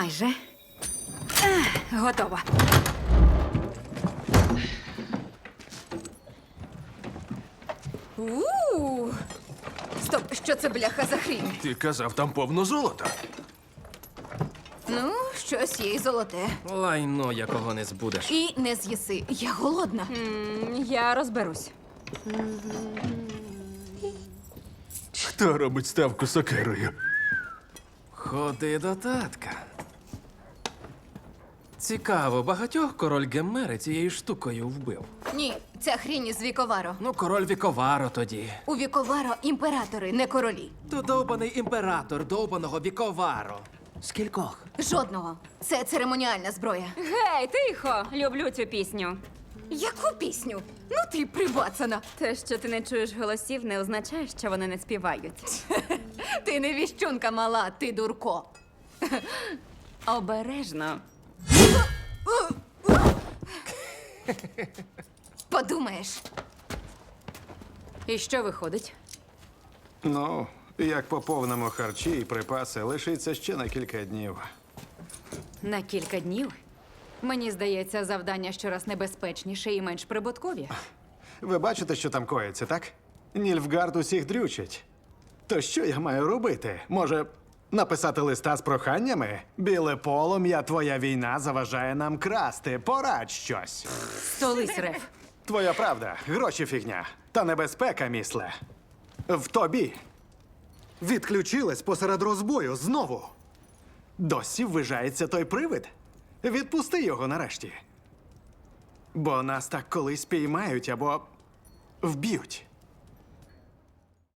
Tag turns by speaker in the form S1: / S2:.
S1: Майже. Готова.
S2: Стоп, що це, бляха, за хрінь?
S3: Ти казав, там повно золота.
S2: Ну, щось є й золоте.
S4: Лайно, якого не збудеш.
S2: І не з'їси. Я голодна.
S1: Я розберусь.
S3: Хто робить ставку сокирою?
S4: Ходи до татка. Цікаво, багатьох король Геммери цією штукою вбив.
S2: Ні, ця хрінь із Віковаро.
S4: Ну, король Віковаро тоді.
S2: У Віковаро імператори, не королі.
S4: То довбаний імператор довбаного Віковаро. Скількох?
S2: Жодного. Це церемоніальна зброя.
S1: Гей, тихо! Люблю цю пісню.
S2: Яку пісню? Ну ти прибацана.
S1: Те, що ти не чуєш голосів, не означає, що вони не співають.
S2: Ти не віщунка мала, ти дурко.
S1: Обережно.
S2: Подумаєш.
S1: І що виходить?
S5: Ну, як поповнимо харчі і припаси, лишиться ще на кілька днів.
S1: На кілька днів? Мені здається, завдання щораз небезпечніше і менш прибуткові.
S5: Ви бачите, що там коїться, так? Нільфгард усіх дрючить. То що я маю робити? Може, написати листа з проханнями? Біле полум'я, твоя війна заважає нам красти. Порадь щось.
S1: Столись, Реф.
S5: Твоя правда, гроші фігня. Та небезпека, місле. В тобі. Відключилась посеред розбою знову. Досі ввижається той привид. Відпусти його нарешті. Бо нас так колись піймають або вб'ють.